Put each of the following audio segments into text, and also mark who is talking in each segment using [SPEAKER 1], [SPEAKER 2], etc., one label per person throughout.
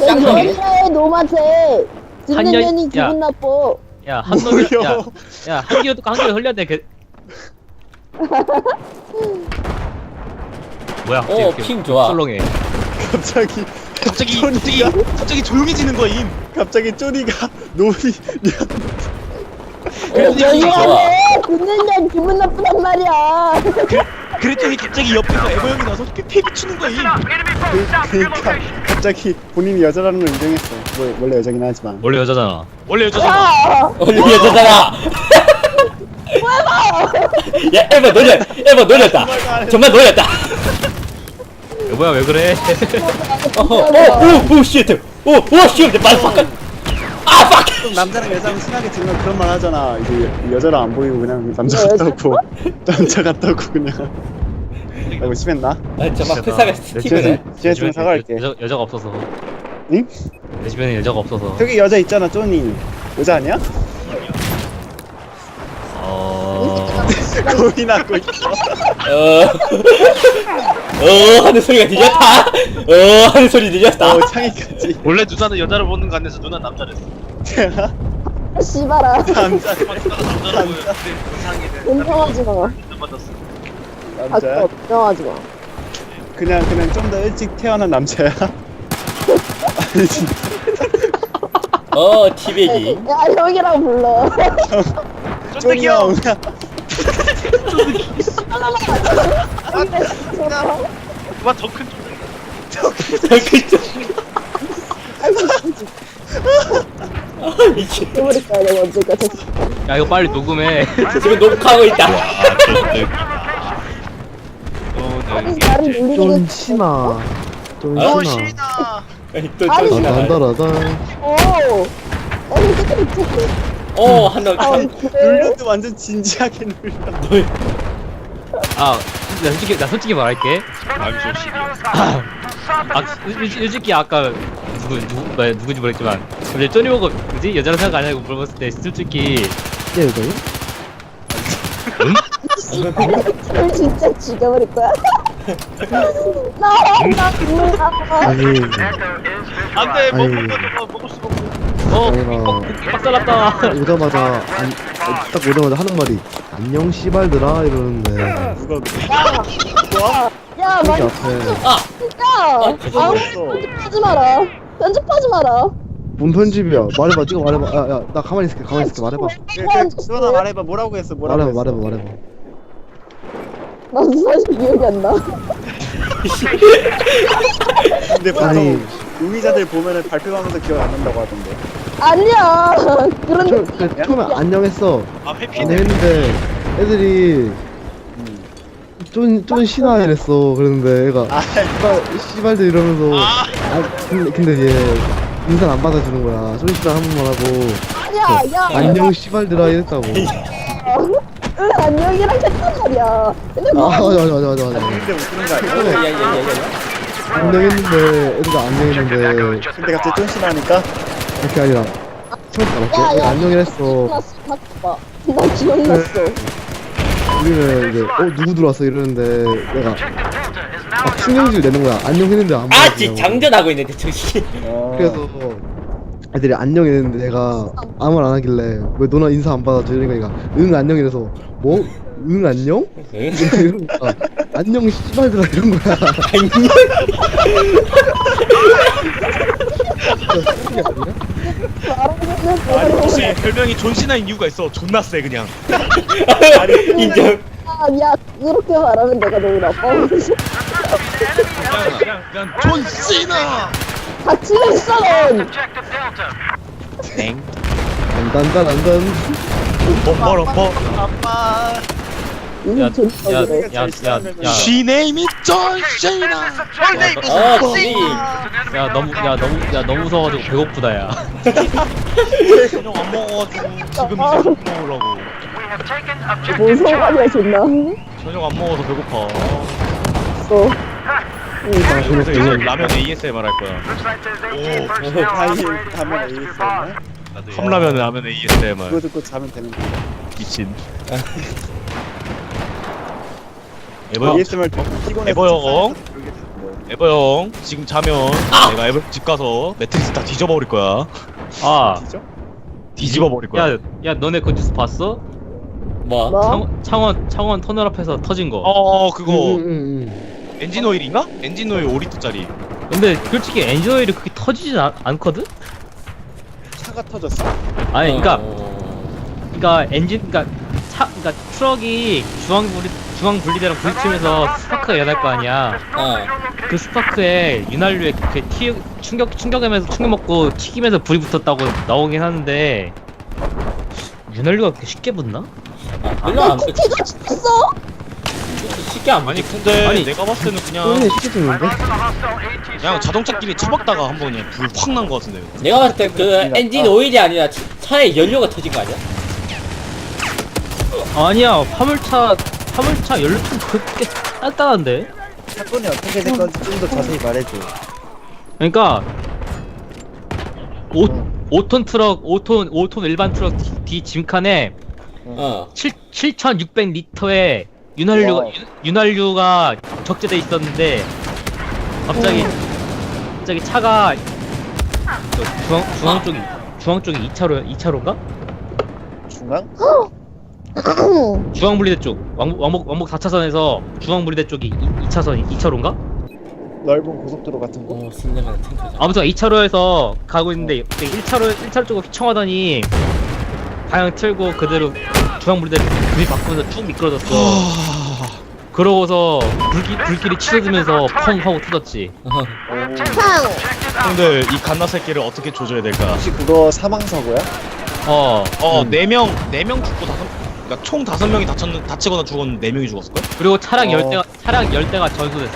[SPEAKER 1] 짱놈이네.
[SPEAKER 2] 여자의 노마세. 듣는
[SPEAKER 3] 한년-
[SPEAKER 2] 년이
[SPEAKER 3] 야.
[SPEAKER 2] 기분 나빠.
[SPEAKER 3] 야, 한 놈이,
[SPEAKER 4] 뭐야?
[SPEAKER 3] 야, 한 개도 한 개도 흘렸네, 뭐야,
[SPEAKER 1] 오, 핑 좋아.
[SPEAKER 3] 썰렁해.
[SPEAKER 4] 갑자기
[SPEAKER 5] 갑자기 조용해지는 거임.
[SPEAKER 4] 갑자기 쪼리가 노이
[SPEAKER 2] 여자의 듣는 년 기분 나쁘단 말이야.
[SPEAKER 5] 그랬더니 갑자기 옆에서 에버 형이 나서 패 비추는 거임.
[SPEAKER 4] 그러니까 갑자기 본인이 여자라는 걸 인정했어. 뭐, 원래 여자긴 하지만.
[SPEAKER 3] 원래 여자잖아.
[SPEAKER 5] 원래 여자잖아.
[SPEAKER 2] 야,
[SPEAKER 1] 우리 여자잖아. 야, 에버 놀렸다. 정말 놀렸다.
[SPEAKER 3] 여보야, 왜 그래?
[SPEAKER 1] 오, 쉣. 오, 쉣. 말파크. 아, 팍.
[SPEAKER 4] 좀 남자랑 여자랑 친하게 지내면 그런 말 하잖아. 이제 여자랑 안 보이고 그냥 남자 같다고 남자 같다고 그냥. 라고 심했나?
[SPEAKER 1] 아, 정말 회사가 스티브네.
[SPEAKER 4] 지혜쯤 사과할게.
[SPEAKER 3] 여자가 없어서.
[SPEAKER 4] 응?
[SPEAKER 3] 내 주변에 여자가 없어서.
[SPEAKER 4] 저기 여자 있잖아, 쪼니. 여자 아니야? 고민하고 있어.
[SPEAKER 1] 하는 소리가 들렸다. 하는 소리 들렸다.
[SPEAKER 4] 창이까지.
[SPEAKER 5] 원래 누나는 여자를 보는 거 아니어서 누나 남자랬어.
[SPEAKER 2] 씨발아.
[SPEAKER 4] 남자.
[SPEAKER 5] 남자라고
[SPEAKER 2] 인정하지 마.
[SPEAKER 5] 맞았어.
[SPEAKER 4] 남자야?
[SPEAKER 2] 인정하지 마.
[SPEAKER 4] 그냥 좀 더 일찍 태어난 남자야? 아니 진짜.
[SPEAKER 1] 티베기.
[SPEAKER 2] 야, 형이라고 불러.
[SPEAKER 4] 쪼니 형.
[SPEAKER 5] 누가 더큰
[SPEAKER 1] 미친.
[SPEAKER 2] 버릴 거야, 내가 언제까지.
[SPEAKER 3] 야, 이거 빨리 녹음해.
[SPEAKER 1] 지금 녹화하고 있다.
[SPEAKER 2] 나를 놀리는
[SPEAKER 6] 쫀치마 쫀치마
[SPEAKER 5] 신아.
[SPEAKER 1] 또
[SPEAKER 2] 아니,
[SPEAKER 1] 정신 나가요.
[SPEAKER 6] 단단하다
[SPEAKER 2] 오. 아니, 그때
[SPEAKER 1] 한명
[SPEAKER 2] 그래.
[SPEAKER 4] 눌려도 완전 진지하게 눌려.
[SPEAKER 3] 나 솔직히 말할게. 솔직히 아까 누군지 모르겠지만, 근데 쪼니 보고 뭐지 여자로 생각 안 하고 물어봤을 때 솔직히
[SPEAKER 6] 예 이거요?
[SPEAKER 2] 이걸 진짜 죽여버릴 거야. 나 죽는다.
[SPEAKER 6] 아니
[SPEAKER 5] 안돼
[SPEAKER 6] 아니.
[SPEAKER 5] 먹을 수가 없어.
[SPEAKER 6] 내가
[SPEAKER 3] 빡살났다.
[SPEAKER 6] 오자마자 딱 오자마자 하는 말이 안녕 씨발들아 이러는데
[SPEAKER 4] 누가
[SPEAKER 2] 야,
[SPEAKER 6] 여기
[SPEAKER 2] 말
[SPEAKER 6] 앞에
[SPEAKER 2] 야, 아무 편집하지 마라. 편집하지 마라.
[SPEAKER 6] 뭔 편집이야 말해봐 네가 말해봐 야야 나 가만히 있을게 말해봐
[SPEAKER 4] 수원아 말해봐. 뭐라고 했어? 뭐라고 했어?
[SPEAKER 6] 말해봐
[SPEAKER 2] 나도 사실 기억이 안 나.
[SPEAKER 4] 근데 보통
[SPEAKER 6] 아니.
[SPEAKER 4] 용의자들 보면은 발표하면서 기억 안 난다고 하던데.
[SPEAKER 2] 아니야. 그런
[SPEAKER 6] 처음에 안녕했어
[SPEAKER 5] 아 회피.
[SPEAKER 6] 안녕했는데 애들이 쫀 신화 이랬어 그랬는데 애가 씨발들 이러면서 근데 얘 인사를 안 받아주는 거야 쫀 씨발 한 번만 하고
[SPEAKER 2] 아니야. 야.
[SPEAKER 6] 안녕 씨발들아 이랬다고
[SPEAKER 2] 응, 안녕이랑 했단 말이야. 근데 뭐
[SPEAKER 6] 맞아
[SPEAKER 4] 근데 못 들은 거 아니야?
[SPEAKER 6] 안녕했는데 애들가 안녕했는데
[SPEAKER 4] 근데 갑자기 쫀씨 나니까
[SPEAKER 6] 그게 아니라 처음
[SPEAKER 2] 야,
[SPEAKER 6] 알았게
[SPEAKER 2] 야.
[SPEAKER 6] 안녕히 했어
[SPEAKER 2] 났어. 봐봐. 나 기억났어.
[SPEAKER 6] 우리는 이제 누구 들어왔어 이러는데 내가 막 신경질 내는 거야 안녕 했는데 안
[SPEAKER 1] 아,
[SPEAKER 6] 받아주냐고.
[SPEAKER 1] 장전하고 있는데 정신.
[SPEAKER 6] 그래서 애들이 안녕 했는데 내가 아무 말 안 하길래 왜 너나 인사 안 받아줘 이러니까 얘가 응 안녕 이래서 뭐? 응 안녕? 이러니까 안녕 씨발들아 이런 거야
[SPEAKER 5] 아니 혹시 별명이 존시나인 이유가 있어. 존나 세 그냥.
[SPEAKER 1] 인정.
[SPEAKER 2] 야, 그렇게 말하면 내가 너무 나빠.
[SPEAKER 5] 그냥 존시나.
[SPEAKER 2] 같이 했어, 넌.
[SPEAKER 6] 단단단단
[SPEAKER 5] 뭐.
[SPEAKER 3] 야,
[SPEAKER 2] 존나
[SPEAKER 3] 야,
[SPEAKER 2] 그래.
[SPEAKER 3] 야, 야, 야,
[SPEAKER 5] She name is 존시나.
[SPEAKER 1] 티베기.
[SPEAKER 3] 너무 무서워가지고 배고프다, 야.
[SPEAKER 5] 저녁 안 먹어가지고 지금 이제 먹으려고.
[SPEAKER 2] 뭔 상관이야, 존나.
[SPEAKER 5] 저녁 안 먹어서 배고파.
[SPEAKER 2] 어.
[SPEAKER 5] 그래서 이제 라면 ASMR 할 거야.
[SPEAKER 4] 다이 가면 ASMR?
[SPEAKER 5] 컵라면 라면 ASMR.
[SPEAKER 4] 그거 듣고 자면 되는 거야.
[SPEAKER 5] 미친. 에버
[SPEAKER 4] ASMR 듣고 피곤해서
[SPEAKER 5] 에버 형.
[SPEAKER 4] 그러게 되는 거야.
[SPEAKER 5] 에버 형 지금 자면 내가 에버 집 가서 매트리스 다 뒤져버릴 거야.
[SPEAKER 3] 아,
[SPEAKER 5] 뒤집어버릴 거야.
[SPEAKER 3] 야, 너네 그 뉴스 봤어?
[SPEAKER 1] 뭐?
[SPEAKER 2] 뭐?
[SPEAKER 3] 창원 터널 앞에서 터진 거.
[SPEAKER 5] 그거
[SPEAKER 6] 응.
[SPEAKER 5] 엔진 오일인가? 엔진 오일 5리터짜리.
[SPEAKER 3] 근데 솔직히 엔진 오일이 그렇게 터지진 않거든?
[SPEAKER 4] 차가 터졌어?
[SPEAKER 3] 아니, 그러니까
[SPEAKER 1] 어...
[SPEAKER 3] 그러니까 트럭이 중앙 분리대랑 부딪히면서 스파크가 일어날 거 아니야.
[SPEAKER 1] 어.
[SPEAKER 3] 그 스파크에 윤활유에 그 충격하면서 충격 먹고 튀기면서 불이 붙었다고 나오긴 하는데 윤활유가 그렇게 쉽게 붙나?
[SPEAKER 1] 별로 안
[SPEAKER 2] 티가 쳤어?
[SPEAKER 1] 쉽게 안
[SPEAKER 5] 아니
[SPEAKER 1] 붙지.
[SPEAKER 5] 근데
[SPEAKER 3] 아니,
[SPEAKER 5] 내가 봤을 때는 그냥
[SPEAKER 6] 소리는 쉽게 듣는데?
[SPEAKER 5] 그냥 자동차끼리 처박다가 한번 그냥 불 확 난 거 같은데.
[SPEAKER 1] 내가 봤을 때 그 엔진 오일이 아니라 차에 연료가 터진 거 아니야?
[SPEAKER 3] 아니야, 화물차 연료통 그렇게 단단한데?
[SPEAKER 7] 사건이 어떻게 된 건지 좀 더 자세히 말해줘.
[SPEAKER 3] 그러니까 5톤 트럭, 5톤 일반 트럭 뒤 짐칸에
[SPEAKER 1] 어.
[SPEAKER 3] 7,600리터의
[SPEAKER 2] 와우.
[SPEAKER 3] 윤활유가 적재돼 있었는데 갑자기 차가 중앙 쪽이 2차로인가?
[SPEAKER 7] 중앙?
[SPEAKER 3] 중앙 분리대 쪽 왕복 4차선에서 중앙 분리대 쪽이 2차로인가?
[SPEAKER 7] 넓은 고속도로 같은 거?
[SPEAKER 1] 신내가 탱크잖아.
[SPEAKER 3] 아무튼 2차로에서 가고 있는데 1차로 쪽으로 휘청하더니 방향 틀고 그대로 중앙 분리대 불이 바꾸면서 쭉 미끄러졌어. 그러고서 불길이 치솟으면서 펑 하고 터졌지.
[SPEAKER 2] 상!
[SPEAKER 5] 근데 이 갓나 새끼를 어떻게 조져야 될까?
[SPEAKER 7] 혹시 그거 사망사고야?
[SPEAKER 3] 어.
[SPEAKER 5] 4명 죽고 그러니까 총 5명이 다치거나 죽었는데 4명이 죽었을걸?
[SPEAKER 3] 그리고 차량
[SPEAKER 7] 어.
[SPEAKER 3] 10대가 전소됐어.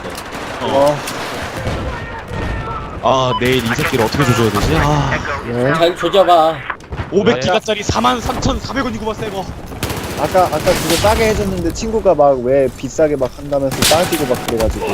[SPEAKER 5] 내일 이 새끼를 어떻게 조져야 되지?
[SPEAKER 6] 네.
[SPEAKER 1] 잘 조져봐.
[SPEAKER 5] 500기가짜리 43,400원이구만 새거.
[SPEAKER 7] 아까 그거 싸게 해줬는데 친구가 막 왜 비싸게 막 한다면서 따지고 막 그래가지고.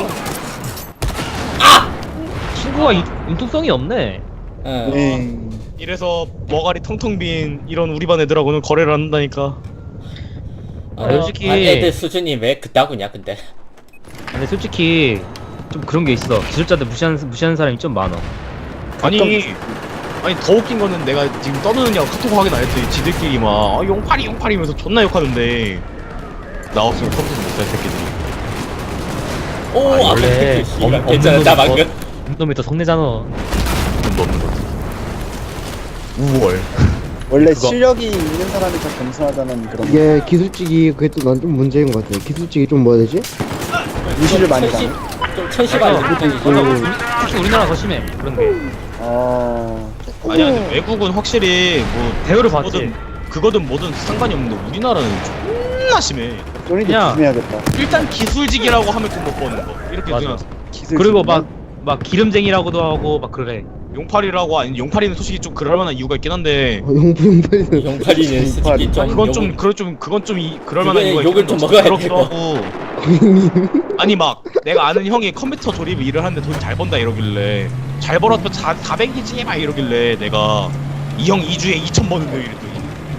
[SPEAKER 3] 친구가 융통성이 없네.
[SPEAKER 1] 응.
[SPEAKER 7] 네.
[SPEAKER 5] 이래서 머가리 텅텅 빈 이런 우리 반 애들하고는 거래를 안 한다니까.
[SPEAKER 3] 솔직히-
[SPEAKER 1] 애들 수준이 왜 그따구냐 근데.
[SPEAKER 3] 근데 솔직히 좀 그런 게 있어. 기술자들 무시하는 사람이 좀 많아.
[SPEAKER 5] 아니 더 웃긴 거는 내가 지금 떠드느냐고 카톡 확인 안 했더니 지들끼리 막 용팔이면서 존나 욕하는데 나 없으면 컴퓨터 못살 새끼들이.
[SPEAKER 1] 오,
[SPEAKER 3] 원래
[SPEAKER 1] 괜찮아. 나 방금.
[SPEAKER 3] 놈이 더 성내잖아.
[SPEAKER 5] 돈도 없는 거지. 우월.
[SPEAKER 7] 원래
[SPEAKER 3] 그거.
[SPEAKER 7] 실력이 있는 사람이 더 겸손하다는 그런
[SPEAKER 6] 이게 기술직이 그게 또 난 좀 문제인 것 같아. 기술직이 좀 뭐라 해야 되지?
[SPEAKER 7] 무시를 많이 당해.
[SPEAKER 1] 좀 천시바지
[SPEAKER 3] 특히 우리나라 더 심해 그런 게.
[SPEAKER 5] 아니야 근데 외국은 확실히 뭐
[SPEAKER 3] 대우를 받지.
[SPEAKER 5] 그거든 뭐든 상관이 없는데 우리나라는 존나 심해.
[SPEAKER 7] 쪼니도
[SPEAKER 3] 그냥-
[SPEAKER 7] 조심해야겠다.
[SPEAKER 5] 일단 기술직이라고 하면 돈 못 버는 거 이렇게
[SPEAKER 3] 맞아.
[SPEAKER 5] 그냥
[SPEAKER 7] 기술
[SPEAKER 3] 그리고
[SPEAKER 7] 직이나?
[SPEAKER 3] 막 기름쟁이라고도 하고 막 그래.
[SPEAKER 5] 용팔이라고 아니 용팔이는 솔직히 좀 그럴 만한 이유가 있긴 한데
[SPEAKER 6] 용팔이는
[SPEAKER 1] 용팔이는 솔직히 좀
[SPEAKER 5] 그건 좀 그럴 만한 이유가
[SPEAKER 1] 욕을 좀 먹어야
[SPEAKER 5] 그렇기도
[SPEAKER 1] 돼요.
[SPEAKER 5] 하고 아니 막 내가 아는 형이 컴퓨터 조립 일을 하는데 돈 잘 번다 이러길래 잘 벌었던 400이지 막 이러길래 내가 이 형 2주에 2천 버는데 이랬더니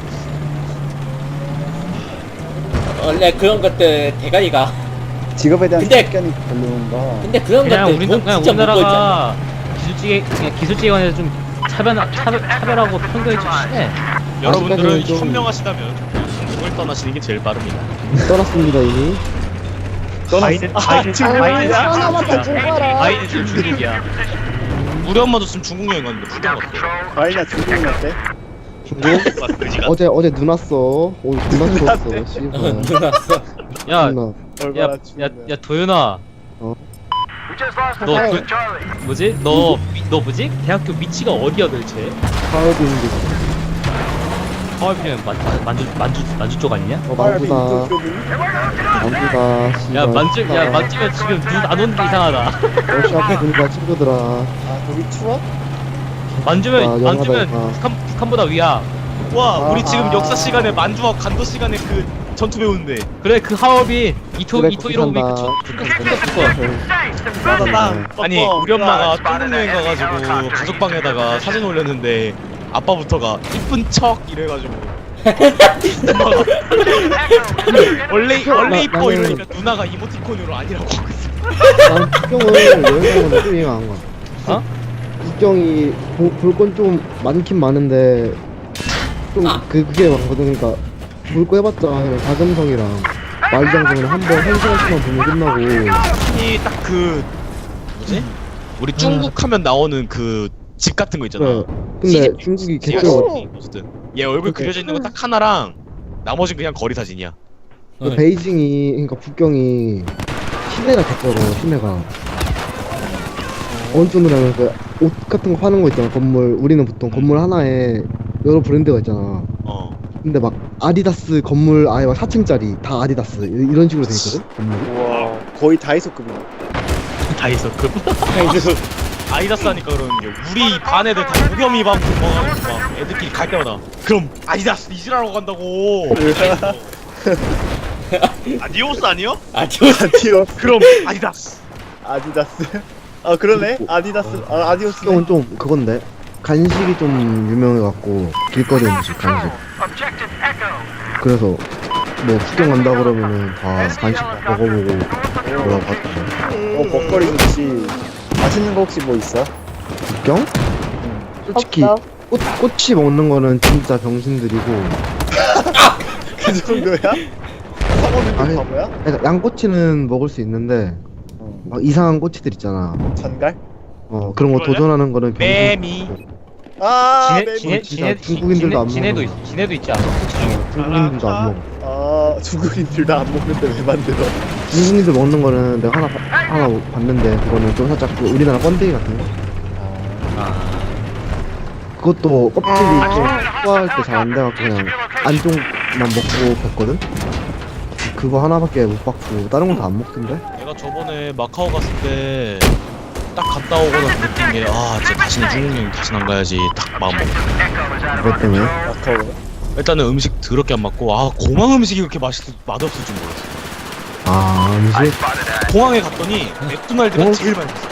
[SPEAKER 1] 원래 그런 것들 대가리가.
[SPEAKER 7] 직업에 대한
[SPEAKER 1] 근데-
[SPEAKER 7] 편견이 별로인가?
[SPEAKER 1] 근데 그런
[SPEAKER 3] 그냥
[SPEAKER 1] 것들 돈
[SPEAKER 3] 그냥
[SPEAKER 1] 진짜 못 벌잖아.
[SPEAKER 3] 우리나라가 기술직에 관해서 좀 차별하고 편견이 좀 심해.
[SPEAKER 5] 여러분들은
[SPEAKER 6] 아직까지는 좀-
[SPEAKER 5] 현명하시다면 중국을 떠나시는 게 제일 빠릅니다.
[SPEAKER 6] 떠났습니다 이미.
[SPEAKER 3] 바이든
[SPEAKER 2] 전화부터 죽어라.
[SPEAKER 3] 바이든 지금 중국이야.
[SPEAKER 5] 우리 엄마도 지금 중국 여행 갔는데 부담 왔어.
[SPEAKER 7] 과일이나 중국은 어때?
[SPEAKER 6] 어제 눈 왔어. 오늘 눈 추웠어. 씨발.
[SPEAKER 1] 눈 왔어.
[SPEAKER 3] 야,
[SPEAKER 6] 존나.
[SPEAKER 7] 얼마나
[SPEAKER 3] 야,
[SPEAKER 7] 추운데.
[SPEAKER 3] 도윤아.
[SPEAKER 6] 어?
[SPEAKER 3] 너 뭐지? 대학교 위치가 어디야 도대체?
[SPEAKER 6] 하얼빈
[SPEAKER 3] 하얼빈이면 만주 쪽 아니냐?
[SPEAKER 6] 만두다. 만두다.
[SPEAKER 3] 야 만주면 지금 눈 안 오는 게 이상하다.
[SPEAKER 6] 러시 앞에 보니까 친구들아.
[SPEAKER 7] 아 거기 추워?
[SPEAKER 3] 만주면
[SPEAKER 6] 영하다.
[SPEAKER 3] 북한보다 위야.
[SPEAKER 5] 와 우리 지금
[SPEAKER 7] 아.
[SPEAKER 5] 역사 시간에 만주와 간도 시간에 그 전투 배우는데
[SPEAKER 3] 그래 그 하얼빈 이토
[SPEAKER 6] 그래,
[SPEAKER 3] 이로미
[SPEAKER 6] 거기 산다.
[SPEAKER 5] 아니 우리 엄마가 중국 여행 가가지고 가족방에다가 사진 올렸는데 아빠부터가 이쁜 척 이래가지고 엄마가 원래 이뻐
[SPEAKER 6] 나는-
[SPEAKER 5] 이러니까 누나가 이모티콘으로 아니라고 하고 있어.
[SPEAKER 6] 나는 북경을 여행 가는 건데 좀 이해가 안 가.
[SPEAKER 3] 어?
[SPEAKER 6] 북경이 볼 건 좀 많긴 많은데 좀 그게 많거든. 그러니까 볼 거 해봤자 그냥 자금성이랑 말장성을 한번 1시간씩만 보면 끝나고.
[SPEAKER 5] 이 딱 그 뭐지? 우리 중국 하면 나오는 그 집 같은 거 있잖아.
[SPEAKER 6] 그래. 근데
[SPEAKER 5] 시집,
[SPEAKER 6] 중국이
[SPEAKER 5] 시집
[SPEAKER 6] 개쩔어.
[SPEAKER 5] 어쨌든 얘 얼굴 그려져 있는 거 딱 하나랑 나머지는 그냥 거리 사진이야.
[SPEAKER 6] 그 베이징이 그러니까 북경이 시내가 개쩔어. 시내가 어느 정도로 하면 그옷 같은 거 파는 거 있잖아. 건물 우리는 보통 건물 하나에 여러 브랜드가 있잖아.
[SPEAKER 5] 어.
[SPEAKER 6] 근데 막 아디다스 건물 아예 막 4층짜리 다 아디다스 이런 식으로 돼 있거든. 건물이.
[SPEAKER 4] 우와 거의 다이소급이네.
[SPEAKER 5] 다이소급. 아디다스 하니까 그러는 게 우리 반 애들 다 무겸이 막 먹어가지고 막 애들끼리 갈 때마다 그럼 아디다스 이질하러 간다고. 아디오스 아니요?
[SPEAKER 4] 아디오
[SPEAKER 5] 그럼 아디다스.
[SPEAKER 4] 아디다스. 아 그러네. 아디다스. 아 아디오스.
[SPEAKER 6] 북경은 좀 그건데 간식이 좀 유명해갖고 길거리 음식 간식. 그래서 뭐 북경 간다 그러면은 다 간식 먹어보고 뭐라고 하던데.
[SPEAKER 4] 먹거리 좋지. 맛있는 거 혹시 뭐 있어?
[SPEAKER 6] 북경? 솔직히
[SPEAKER 2] 없어.
[SPEAKER 6] 꼬치 먹는 거는 진짜 병신들이고.
[SPEAKER 4] 그 정도야? 사먹는
[SPEAKER 6] 아니,
[SPEAKER 4] 게 바보야?
[SPEAKER 6] 그러니까 양꼬치는 먹을 수 있는데 막 이상한 꼬치들 있잖아.
[SPEAKER 4] 전갈?
[SPEAKER 6] 그런 거 도전하는 거는
[SPEAKER 5] 매미.
[SPEAKER 4] 아
[SPEAKER 3] 지네
[SPEAKER 4] 맵이.
[SPEAKER 3] 지네
[SPEAKER 6] 진짜
[SPEAKER 3] 지네
[SPEAKER 6] 중국인들도 안
[SPEAKER 3] 지네도
[SPEAKER 6] 먹는
[SPEAKER 3] 지네도 있지 않아? 꼬치 중에.
[SPEAKER 6] 중국인들도 안 먹어.
[SPEAKER 4] 아 중국인들 다 안 먹는데 왜 만들어?
[SPEAKER 6] 중국인들 먹는 거는 내가 하나 봤는데 그거는 좀 살짝 그 우리나라 번데기 같은 거. 그것도 껍질이 좀 소화할 때 잘 안 돼갖고 그냥 안쪽만 먹고 뱉거든? 그거 하나밖에 못 받고 다른 건 다 안 먹던데?
[SPEAKER 5] 내가 저번에 마카오 갔을 때 딱 갔다 오고 나서 느낀 게 아 진짜 다시는 중국 여행 다시는 안 가야지 딱 마음 먹고.
[SPEAKER 6] 그것 때문에.
[SPEAKER 4] 아까워.
[SPEAKER 5] 일단은 음식 더럽게 안 맞고 아 공항 음식이 그렇게 맛없을 줄 몰랐어.
[SPEAKER 6] 아 음식?
[SPEAKER 5] 공항에 갔더니 맥도날드가
[SPEAKER 6] 어?
[SPEAKER 5] 제일 맛있어.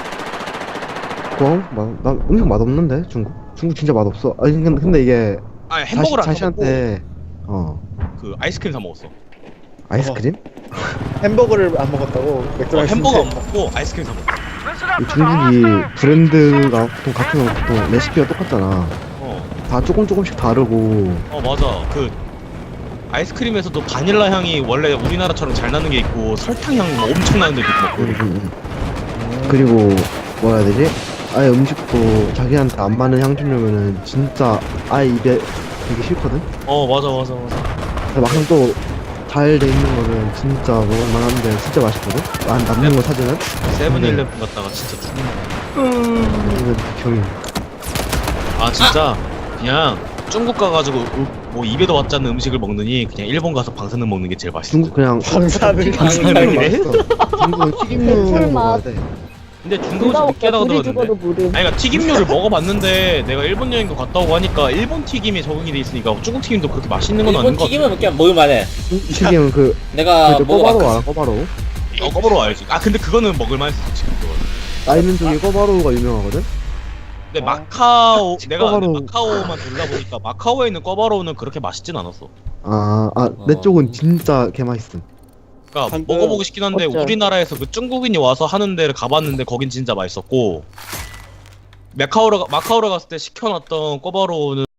[SPEAKER 6] 나 음식 맛없는데 중국? 중국 진짜 맛없어. 아니 근데 이게
[SPEAKER 5] 아니 햄버거를 안 먹고
[SPEAKER 6] 자신한테
[SPEAKER 5] 그 아이스크림 사 먹었어.
[SPEAKER 6] 아이스크림?
[SPEAKER 4] 햄버거를 안 먹었다고? 맥도날드
[SPEAKER 5] 햄버거 안 먹고 아이스크림 사 먹었어.
[SPEAKER 6] 이 중국이 브랜드가 보통 같은 거 보통 레시피가 똑같잖아. 다 조금씩 다르고.
[SPEAKER 5] 맞아. 그 아이스크림에서도 바닐라 향이 원래 우리나라처럼 잘 나는 게 있고 설탕 향 엄청 나는 데도 있고.
[SPEAKER 6] 그리고 뭐라 해야 되지? 아예 음식도 자기한테 안 맞는 향 주려면은 진짜 아예 입에 되게 싫거든?
[SPEAKER 5] 맞아.
[SPEAKER 6] 근데 막상 또 잘 돼 있는 거는 진짜 먹을만한데 진짜 맛있거든? 남는 거 사주는?
[SPEAKER 5] 세븐일레븐 갔다가 진짜 죽는
[SPEAKER 6] 이건 병이.
[SPEAKER 5] 아 진짜 그냥 중국 가가지고 뭐 입에도 맞지 않는 음식을 먹느니 그냥 일본 가서 방사능 먹는 게 제일 맛있어.
[SPEAKER 6] 중국 그냥
[SPEAKER 4] 방사능.
[SPEAKER 3] 방사능이래?
[SPEAKER 6] 중국은 튀김류
[SPEAKER 2] 설마.
[SPEAKER 6] 먹어야 돼.
[SPEAKER 3] 근데
[SPEAKER 2] 누가
[SPEAKER 3] 중국에서
[SPEAKER 2] 먹게
[SPEAKER 3] 느끼하다고
[SPEAKER 2] 둘이
[SPEAKER 3] 들었는데.
[SPEAKER 2] 죽어도 모름.
[SPEAKER 5] 아니 그러니까 튀김류를 먹어봤는데 내가 일본 여행도 갔다 오고 하니까 일본 튀김이 적응이 돼 있으니까 중국 튀김도 그렇게 맛있는 건 아닌
[SPEAKER 1] 일본
[SPEAKER 5] 것 같아.
[SPEAKER 1] 튀김은 그냥 먹을만해.
[SPEAKER 6] 튀김은
[SPEAKER 1] 내가
[SPEAKER 6] 그 꼬바로
[SPEAKER 1] 먹어봤거든.
[SPEAKER 6] 알아? 꼬바로?
[SPEAKER 5] 꺼바로 알지. 아 근데 그거는 먹을만했어 지금 그거.
[SPEAKER 6] 나 있는 쪽에 꼬바로우가 유명하거든?
[SPEAKER 5] 근데 마카오 내가
[SPEAKER 6] 꺼바로우.
[SPEAKER 5] 근데 마카오만 돌려보니까 마카오에 있는 꺼바로우는 그렇게 맛있진 않았어.
[SPEAKER 6] 내 쪽은 진짜 개맛있음.
[SPEAKER 5] 그러니까
[SPEAKER 4] 방금
[SPEAKER 5] 먹어보고 싶긴 한데
[SPEAKER 2] 어쩌-
[SPEAKER 5] 우리나라에서 그 중국인이 와서 하는 데를 가봤는데 거긴 진짜 맛있었고 마카오를 갔을 때 시켜놨던 꼬바로우는